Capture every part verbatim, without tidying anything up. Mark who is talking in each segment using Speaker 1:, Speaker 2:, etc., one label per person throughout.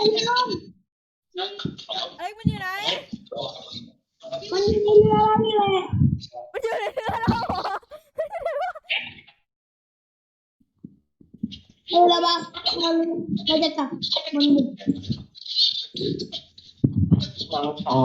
Speaker 1: เรือล่ม
Speaker 2: เอ้ยมันอยู่ไหน
Speaker 1: มันอยู่ในเรือแล้วนี่แหละ
Speaker 2: มันอยู่ในเรือเราเหรอ
Speaker 1: เออระวังเราเราจะกลับมันหมด
Speaker 3: เราชาย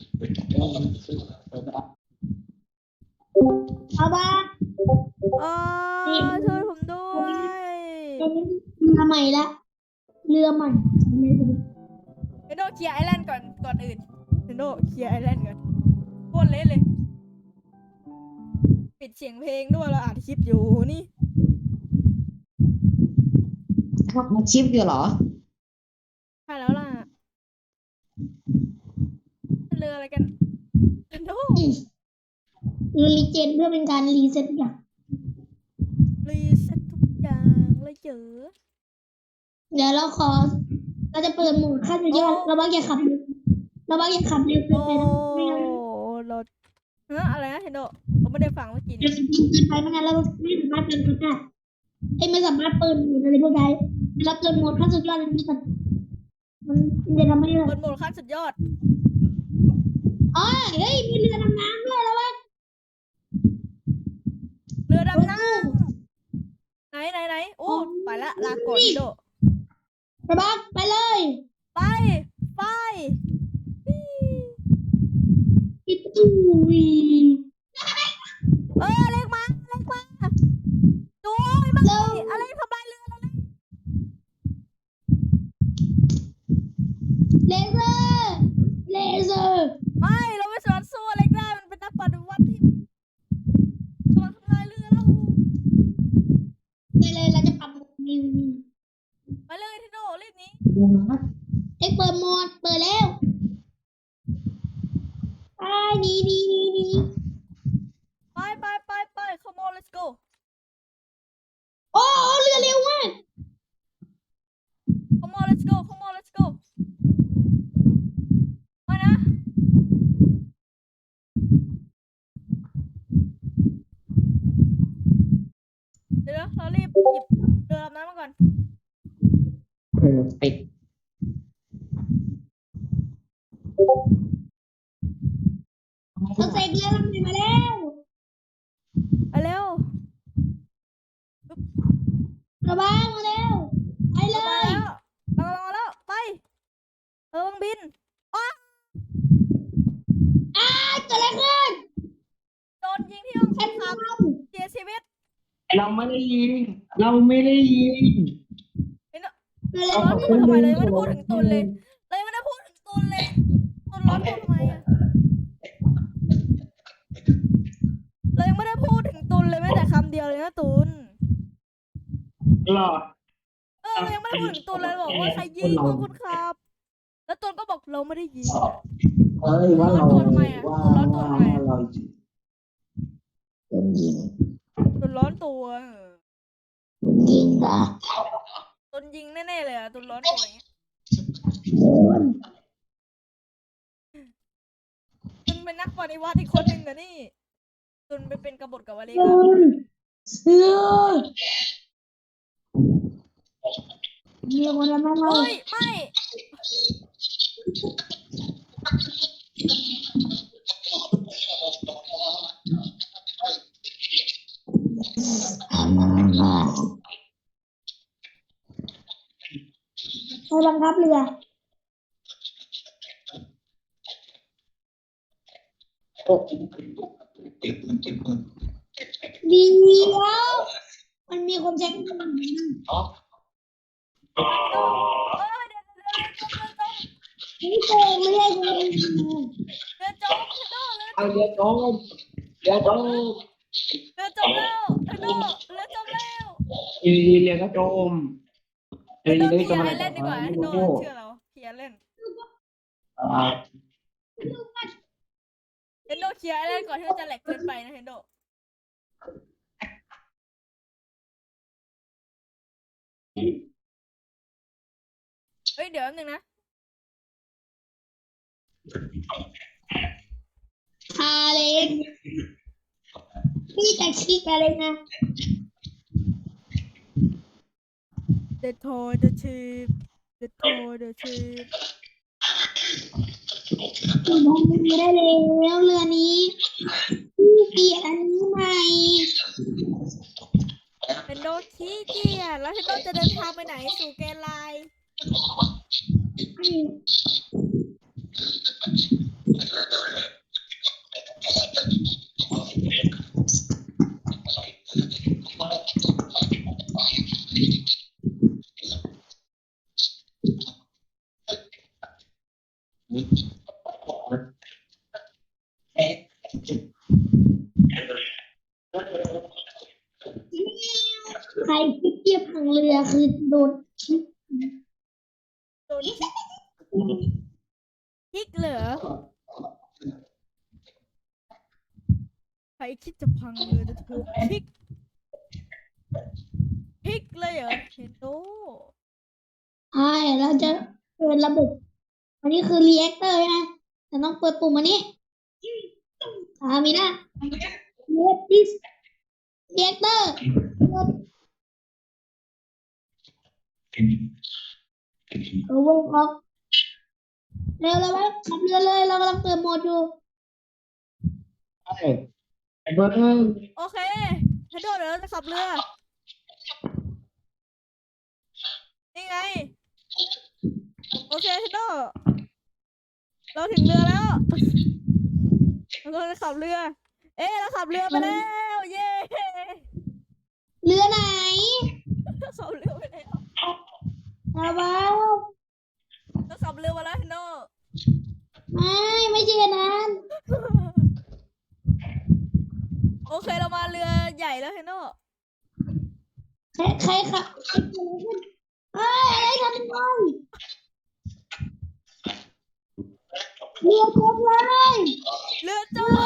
Speaker 1: เอาบ้า
Speaker 2: อ๋อช่วยผมด้วย
Speaker 1: เรือใหม่ละเรือใหม่
Speaker 2: เฮนโดเคลียร์ไอแลนด์ก่อนก่อนอื่นเฮนโดเคลียร์ไอแลนด์ก่อนโคตรเละเลย ปิดเสียงเพลงด้วยเราอัดคลิปอยู่นี่
Speaker 3: มาชิปอยู่เหรอ
Speaker 2: ใช่แล้วล่ะเรืออะไรกันเฮนโด
Speaker 1: เรือรีเจนเพื่อเป็นการรีเซ็ตอย่าง
Speaker 2: รีเซ็ตทุกอย่างเลยเจอ
Speaker 1: เดี๋ยวเราขอ เราจะเปิดโหมดขั้นสุดยอดเราบ้าอย่าขับเราบ้าอย่าขับเร็วเกิน
Speaker 2: โอ้
Speaker 1: ไปนะไม่งั้น
Speaker 2: เราฮะอะไรนะเฮนโดผมไม่ได้ฟังเมื่อกี้
Speaker 1: เร็
Speaker 2: นี้
Speaker 1: วเกินไปไม่งั้นเราไม่สามารถเดินรถได้ไอ้ไม่สามารถเปิดโหมดอะไรพวกใดรับเปิดโหมดขั้นสุดยอดเลยนี่ก่อนมันจะทำให้เรา
Speaker 2: เปิดโหมดขั้นสุดยอด
Speaker 1: อ๋อเฮ้ยมีเรือดำน้ำด้วยแล้ววะ
Speaker 2: เรือดำน้ำไหนไหนไหนโอ้ไปละลาก่อนเฮนโด
Speaker 1: ระบักไปเลย
Speaker 2: ไปไป
Speaker 1: ปิดตู้วี
Speaker 2: เออเล็กมาเล็กมาดูไม่มาอะไรทำลายเรือเราเลย
Speaker 1: เลเซอร์เลเซอร์
Speaker 2: ไม่เราไม่สามารถสู้เล็กได้มันเป็นนักปฏิวัติที่กำลังทำลายเรือเรา
Speaker 1: ไปเลยเราจะปรับโหมดนิว
Speaker 2: ไปเลยเฮนโดรีบหนี้
Speaker 1: เอ็กเปิดโหมดเปิดแล้วไปดีดีดีดี
Speaker 2: ไปไปไปไป come on let's go
Speaker 1: โอ้เรือเร็วมาก
Speaker 2: come on let's go come on let's go มานะเดี๋ยวเรารีบหยิบเรือลำนั้นมาก่อน
Speaker 3: เออปิด
Speaker 1: เราเสกเรือลำใหม่มาแล้ว
Speaker 2: ไปเร็ว
Speaker 1: ระบังมาแล้วไปเล
Speaker 2: มาย แล้วเราลงมาแล้วไปเออวังบินอ้า
Speaker 1: อ้าเกิดอะไรขึ้น
Speaker 2: โดนยิงที่ห้องค
Speaker 1: แค่
Speaker 2: นขับ
Speaker 1: ทำ
Speaker 2: เสียชีวิต
Speaker 3: เราไม่ได้ยิงเราไม่ได้ยิง
Speaker 1: เกิดอะไร
Speaker 2: ร้อน
Speaker 1: ขึ้
Speaker 2: ตั
Speaker 1: น
Speaker 2: วทำไมเลยไม่ได้พูดถึงตุนเลยเลยไม่ได้พูดถึงตุนเลยตุนร้อนตัวทำไมอะเรายังไม่ได้พูดถึงตุนเลยแม้แต่คำเดียวเลยนะตุน
Speaker 3: หรอ
Speaker 2: เออเรายังไม่ได้พูดถึงตุนเลยบอกว่าใครยิงพวกคุณครับ แล้วตุนก็บอกเราไม่ได้ยิงอะ
Speaker 3: เอ้ยว่าเรา
Speaker 2: ตัวทำไมอะ
Speaker 3: ว่า
Speaker 2: ตัวร้อนตัวทำไมอะ
Speaker 3: เรายิงโดนยิง
Speaker 2: ตุนร้อนตัว
Speaker 3: โดนยิงนะ
Speaker 2: ตุนยิงแน่ๆเลยอะตุนร้อนตัวอย่างเงี้ย
Speaker 3: โดน
Speaker 2: ตุนเป็นนักปฏิวัติอีกคนหนึ่งอะนี่ตุนไปเป็นกบฏกับวาเล
Speaker 1: เกิ
Speaker 2: กา
Speaker 1: นเสือมีคนทำให้เรา
Speaker 2: เฮ้ยไม่
Speaker 1: ไปบังคับเรือ เดียวมันมีคนแจ้ง
Speaker 2: เออเดี๋ยวเดี๋ยวเดี๋ยว
Speaker 1: นี่โกงไม่ได้โกง
Speaker 2: เรือจมเฮนโดเรือ
Speaker 3: เอาเดี๋ยวจมเดี๋ยวจม
Speaker 2: เรือจมแล้วเฮนโดเรือจมแล้ว
Speaker 3: อีเรียนก็จม
Speaker 2: เฮนโดเคลียร์ไอแลนด์ดีกว่าเฮนโดเชื่อเราเคลียร์เล่น
Speaker 3: อ่า
Speaker 2: เฮนโดเคลียร์ไอแลนด์ก่อนที่มันจะแหลกเกินไปนะเฮนโดเฮ้ยเดี๋ยวแป๊บนึงนะ
Speaker 1: คาเลนพี่จะคิดอะไรนะ
Speaker 2: The toy the ship เดอะโทเดอะชิป
Speaker 1: มองไม่ได้แล้วเรือนี้เปลี่ยนอันนี้ใหม่
Speaker 2: เฮนโดขี้เกียจแล้วเฮนโดจะเดินทางไปไหนสู่แกนไลน์
Speaker 1: ใครที่เทียบทางเรือคือโดนคิด
Speaker 2: โดนคิกคิกเหรอใครคิดจะพังเรือจะถูกคิกคิกเลยเหรอเฮนโด
Speaker 1: ใช่เราจะเปิดระบบ อันนี้คือรีแอคเตอร์นะแต่ต้องเปิดปุ่มอันนี้อ่ามีนะเรียกดิสรีแอคเตอร์เออวงออกเร็วเลยไหมขับเรือเลยเรากำลังเปิดโหมดอยู่
Speaker 3: ใช่ไอ้เบิร์ด
Speaker 2: โอเคเฮนโดเดี๋ยวเราจะขับเรือนี่ไงโอเคเฮนโดเราถึงเรือแล้วเราจะขับเรือเอ๊ะเราขับเรือไปแล้วเย้
Speaker 1: เรือไหน
Speaker 2: ขับเรือไปแล้ว
Speaker 1: อาว้าว
Speaker 2: เราขับเรือมาแล้วเฮนโด
Speaker 1: ไม่ไม่ใช่อย่างนั้น
Speaker 2: โอเคเรามาเรือใหญ่แล้วเฮนโด
Speaker 1: ใครใครขับใครเกิดอะไรขึ้นเอ้ยอะไรทำเป็นไงเรือจมเลย
Speaker 2: เรือจม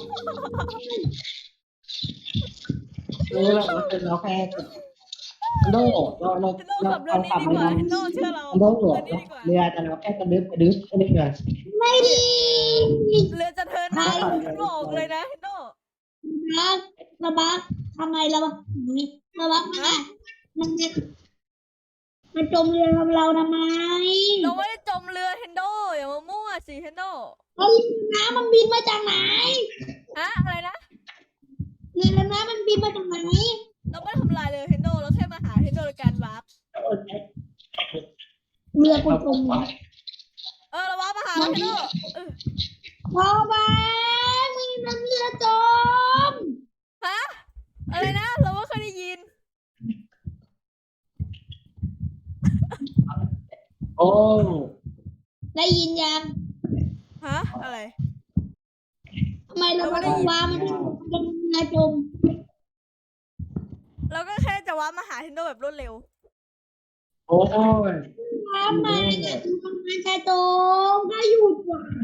Speaker 3: เออเราเป็นเราแค่โดเราเรา
Speaker 2: เฮนโด
Speaker 3: เรา
Speaker 2: ขับเรือ
Speaker 3: เรา
Speaker 2: นี้
Speaker 3: ขับ
Speaker 2: ดี
Speaker 3: เรื
Speaker 2: กว่า
Speaker 3: อ
Speaker 2: เฮนโดเชื่อเรา
Speaker 3: โด
Speaker 2: เรือนี้ดีกว่า
Speaker 3: เรือแต่เราแค่กระดึ๊บกระดึ๊บกระดึ๊บเลย
Speaker 1: ไม่ดี
Speaker 2: เรือจะเทิร์นนะฉันบอกเลยนะเฮนโด
Speaker 1: บักระบักทำไมระบักนี่ระบักมามันจะมันจมเรือกับเราทำไม
Speaker 2: เราไม่ได้จมเรือเฮนโดอย่ามามั่วสิเฮนโด
Speaker 1: แล้วเรือน้ำมันบินมาจากไหน
Speaker 2: ฮะอะไรนะ
Speaker 1: เรือน้ำมันบินมาจากไหน
Speaker 2: เราไม่ได้ทำลายเรือเฮนโดเราแค่มาหาเฮนโดในการวาร์ป
Speaker 1: เรือกูจม
Speaker 2: เออเราวาร์ปมาหาแล้วเฮนโดเออ
Speaker 1: พอบ้ามึงทำเรือจม
Speaker 2: ฮะอะไรนะเราไม่เคยได้ยิน
Speaker 3: โอ้
Speaker 1: ได้ยินยัง
Speaker 2: ฮะอะไร
Speaker 1: ทำไมเราไม่ได้ว่ามันเป็นเรือจม
Speaker 2: เราก็แค่จะวาร์ปมาหาเฮนโดแบบรวดเร็ว
Speaker 3: โอ้ย
Speaker 1: ทำไมเนี่ยคือทำงานชายจมถ้าหยุดว่ะ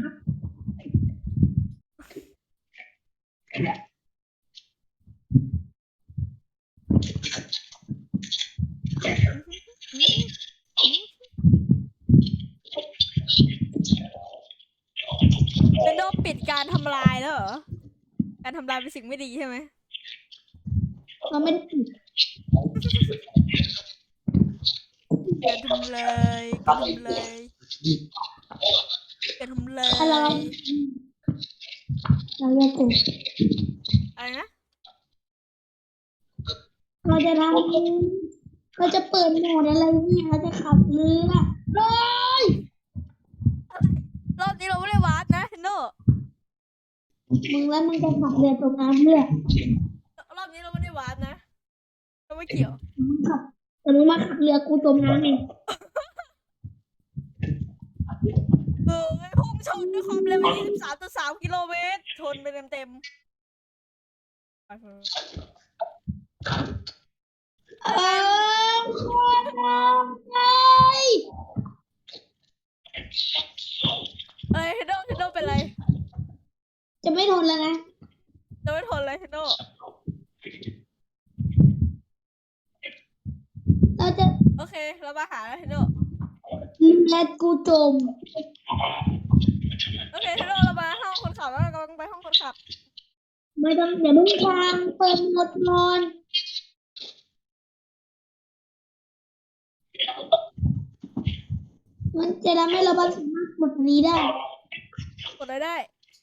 Speaker 2: เฮนโดปิดการทำลายแล้วเหรอการทำลายเป็นสิ่งไม่ดีใช่ไหม
Speaker 1: เราไม่ได้ปิด
Speaker 2: อย่าทำเลยอย่าทำเลยอย่าทำเลย
Speaker 1: ถ้าเราเราจะจบ
Speaker 2: อะไรนะ
Speaker 1: เราจะทำเราจะเปิดโหมดอะไรเนี่ยเราจะขับเรือเลย
Speaker 2: รอบนี้เราไม่ได้วาร์ปนะเฮนโด
Speaker 1: มึงแล้วมึงจะขับเรือจมน้ำเรือ
Speaker 2: รอบนี้เราไม่ได้วาร์ปนะเราไม่เกี่ยว
Speaker 1: มึงขับแต่มึงมาขับเรือกูจมน้ำเอง
Speaker 2: เออไอ้พุ่งชนด้วยความเร็วยี่สิบสามจุดสามกิโลเมตรชนไปเต็มๆไปเถอะ
Speaker 1: เออคนน้ำไง
Speaker 2: เอ้ยเฮนโดเฮนโดเป็นไร
Speaker 1: จะไม่ทนแล้วนะ
Speaker 2: จะไม่ทนเลยเฮนโด
Speaker 1: เราจะ
Speaker 2: โอเคเรามาหาแล้วเฮนโด
Speaker 1: เรือกูจม
Speaker 2: โอเคเฮนโดเรามาห้องคนขับแล้วเรากำลังไปห้องคนขับ
Speaker 1: ไม่ต้องเดี๋ยวมึงฟังเปิดโหมดนอนมันจะทำให้เราบัสสามารถกดอันนี้ได้
Speaker 2: กดอะไรได้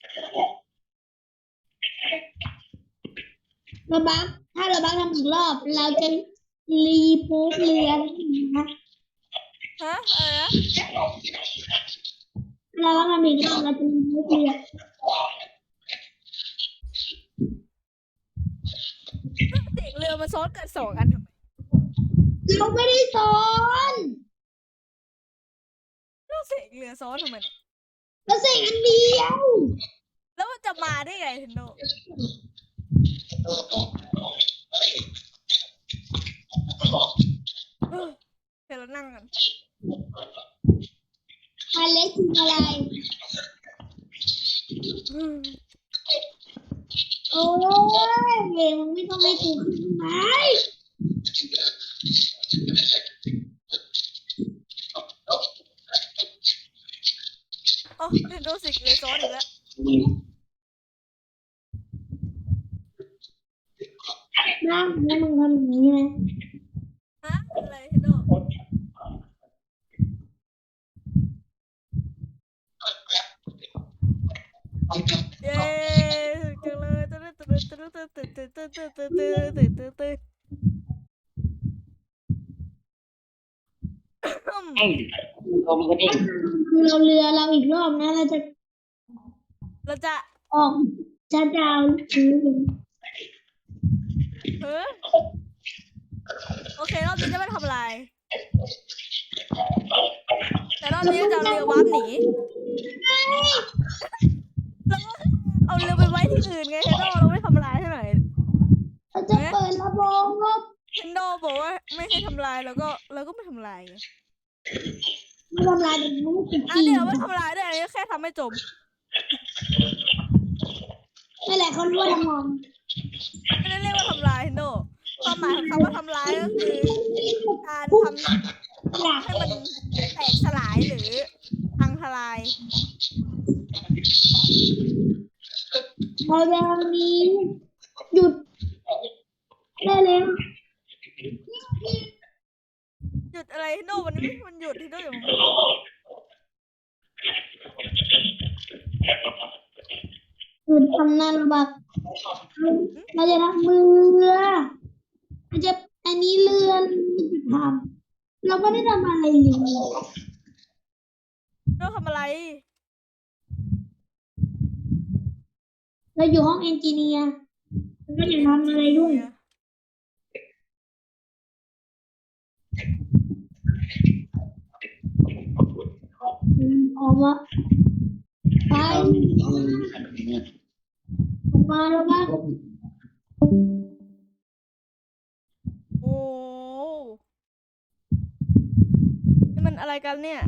Speaker 1: เราบัสถ้าเราบัสทำอีกรอบ เราจะรีโพสเรือนะ
Speaker 2: ฮะอะไรนะ
Speaker 1: เราบัสทำอีกรอบเราจะรีโพสเรือ
Speaker 2: เด็กเรือมาซ้อนกันสองอันทำไม
Speaker 1: เราไม่ได้สอน
Speaker 2: เราเสกเรือซ้อนทำไมเนี่ย
Speaker 1: เราเสกอันเดียว
Speaker 2: แล้วมันจะมาได้ไงเทนโดเออเดี๋ยวเรานั่งกัน
Speaker 1: อันเล็กคืออะไร
Speaker 2: อืม
Speaker 1: โอ้ยเองมึงไม่ต้องให้กูขึ้นไหม
Speaker 2: อ๋อเทนโดเสกเรือซ้อนอีกแล้ว
Speaker 1: นั่งแล้วมึงทำอย่างนี้นะ
Speaker 2: ฮะอะไรเทนโดเย้จังเลยตื่นตื่นตื่นตื่นตื่นตื่นตื่นตื่นตื่นตื่นตื่นตื่นตื่น
Speaker 3: เอ้ยลมกันเอง
Speaker 1: คือเราเรือเราอีกรอบนะเราจะ
Speaker 2: เราจะ
Speaker 1: ออกจะดาวหรือ
Speaker 2: เฮ้ยโอเครอบนี้จะไม่ทำอะไรแต่รอบนี้จะเอาเรือวาร์ปหนีแล้วก็เอาเรือไปไว้ที่อื่นไงเทนโดเราไม่ทำลายให้หน่อย
Speaker 1: เราจะเปิดระบบงบ
Speaker 2: เทนโดบอกว่าไม่ให้ทำลายแล้วก็เราก็ไม่ทำลายไง
Speaker 1: ไม่ทำลายแบบนี้สิ
Speaker 2: อ่ะเดี๋ยวไม่ทำลายด้วยอันนี้แค่ทำให้จม
Speaker 1: นั่นแหละเขาเรียกว่าทำงาน
Speaker 2: ไม่ได้เรียกว่าทำลายเทนโดความหมายของคำว่าทำลายก็คือการทำ
Speaker 1: อยาก
Speaker 2: ให้มันแตกสลายหรือพังทลาย
Speaker 1: เราจะมีหยุดได้แล้ว
Speaker 2: หยุดอะไรเทนโดวันนี้มันหยุดเทนโดอยู่
Speaker 1: หยุดทำนานระบักเราจะทำเรือเราจะอันนี้เรือเราจะทำเราไม่ได้ทำอะไรเลย
Speaker 2: เราทำอะไร
Speaker 1: เราอยู่ห้องเอนจิเนียร์เราก็อย่าทำอะไรด้วยออกมาไปออกมาแล้วบ้าง
Speaker 2: โอ้นี่มันอะไรกันเนี่ย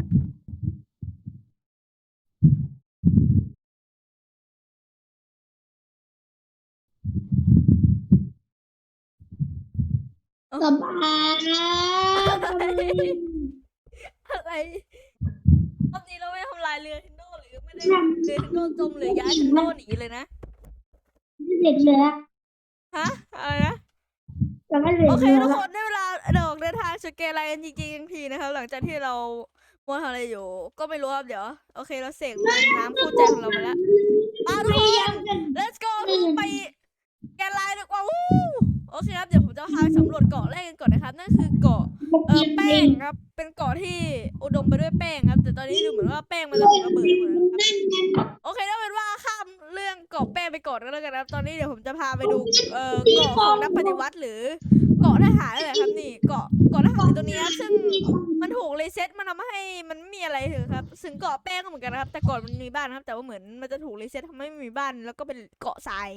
Speaker 1: สบายทำไม
Speaker 2: อะไรรอบนี้เราไม่ทำลายเรือเทนโดหรือไม่ได้เรือเทนโดจมหรือย้ายเทนโดหนีเลยนะ
Speaker 1: ไม่เสร็จเลยละ
Speaker 2: ฮะอะไรนะ
Speaker 1: จะไม่เสร็จ
Speaker 2: โอเค
Speaker 1: เลย
Speaker 2: ทุก
Speaker 1: ละ
Speaker 2: คนได้เวลาดอกเดินทางสเกลไลน์จริงๆทีนะครับหลังจากที่เรามัวทำอะไรอยู่ ก็ไม่รู้ครับเดี๋ยวโอเคเราเสกน้ำคู่ใจของเรามาแล้วมาทุกคน let's go ไปแกนไลน์ดีกว่าวู้โอเคครับเดี๋ยวผมจะพาไปสำรวจเกาะแรกกันก่อนนะครับนั่นคือเกาะเออแป้งครับเป็นเกาะที่อุดมไปด้วยแป้งครับแต่ตอนนี้ดูเหมือนว่าแป้งมันจะระเบิดไปหมดแล้วครับ
Speaker 1: นั่นไง
Speaker 2: โอเคถ้าเป็นว่าข้ามเรื่องเกาะแป้งไปก่อนก็แล้วกันนะครับตอนนี้เดี๋ยวผมจะพาไปดูเอ่อเกาะของนักปฏิวัติหรือเกาะทหารอะไรครับนี่เกาะเกาะทหารตัวเนี้ยซึ่งมันถูกรีเซ็ตมันทำให้มันไม่มีอะไรเถอะครับซึ่งเกาะแป้งก็เหมือนกันนะครับแต่ก่อนมันมีบ้านนะครับแต่ว่าเหมือนมันจะถูกรีเซ็ตทำให้ไม่มีบ้านแล้วก็เป็นเกาะทราย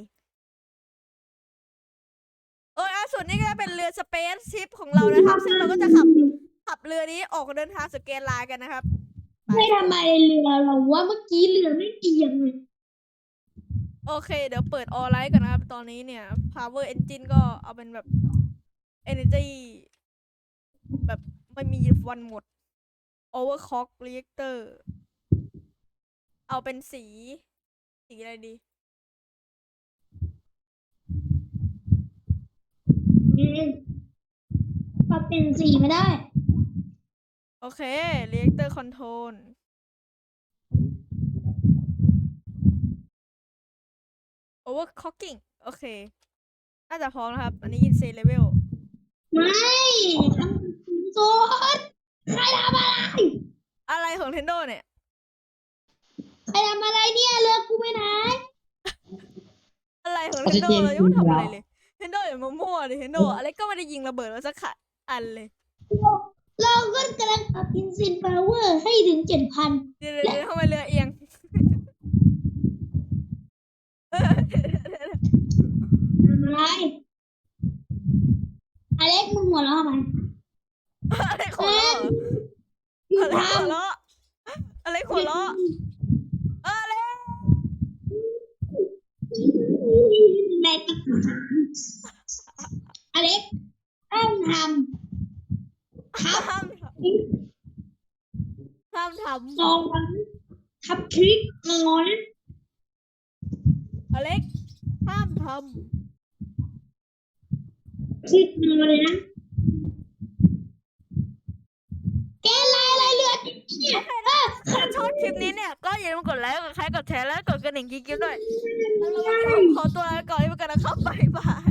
Speaker 2: เอออ่ะส่วนนี้ก็จะเป็นเรือสเปซชิพของเรานะครับ ซึ่งเราก็จะขับขับเรือนี้ออกเดินทางสเกลไลน์กันนะครับ
Speaker 1: ไม่ทำไมเรือเราว่าเมื่อกี้เรือไม่เอียงเลย
Speaker 2: โอเคเดี๋ยวเปิดออไลท์ก่อนนะครับตอนนี้เนี่ย power engine ก็เอาเป็นแบบ energy แบบไม่มีวันหมด overclock reactor เอาเป็นสี สีอะไรดี
Speaker 1: อืมปรับเป็นสีไม่ได้
Speaker 2: โอเค reactor control overclocking โอเค น่าจะพร้อมนะครับ อันนี้ insane level
Speaker 1: ไม่ทำโซนใครทำอะไร
Speaker 2: อะไรของ Nintendo เนี่ย
Speaker 1: ใครทำอะไรเนี่ยเลิกกูไม่ไหน
Speaker 2: อะไรของ
Speaker 3: ออกซิ
Speaker 2: Nintendo
Speaker 3: เจน
Speaker 2: เรายังไม่ทำอะไร
Speaker 3: แล้ว
Speaker 2: เลย Nintendo อย่ามามั่วดิ Nintendo อะไรก็ไม่ได้ยิงระเบิดมาสักขัดอันเลย
Speaker 1: เราก็กำลังปรับอินซินพาวเวอร์ให้ถึงเจ็ดพัน
Speaker 2: เดี๋ยวเดี๋ยวเดี๋ยวทำไมเรือเอียง
Speaker 1: ทำอะไรอเล็กมึงหัวเราะทำไม
Speaker 2: อะไรหัวเราะ
Speaker 1: อยู่
Speaker 2: อะไร
Speaker 1: ท
Speaker 2: หัวเราะอะไรหัวเราะอะไร
Speaker 1: ำในตะขาอเล็กต้องทำทับ
Speaker 2: ห้ามทำห้ามท
Speaker 1: ซองทับทริกงอน
Speaker 2: ำอเล็กห้ามท
Speaker 1: ทริกงอนเลยนะแกลายอะไรเรือเนี่ยเออ
Speaker 2: ำถ้าชอบคลิปนี้เนี่ย ก็อย่าลืมกดไลค์ กดแชร์ กดแชร์ และกดกระดิ่งกิ๊กๆด้วยแล้ววันนี้ผมขอตัวลาไปก่อนที่ไปกันนะครับบ๊ายบาย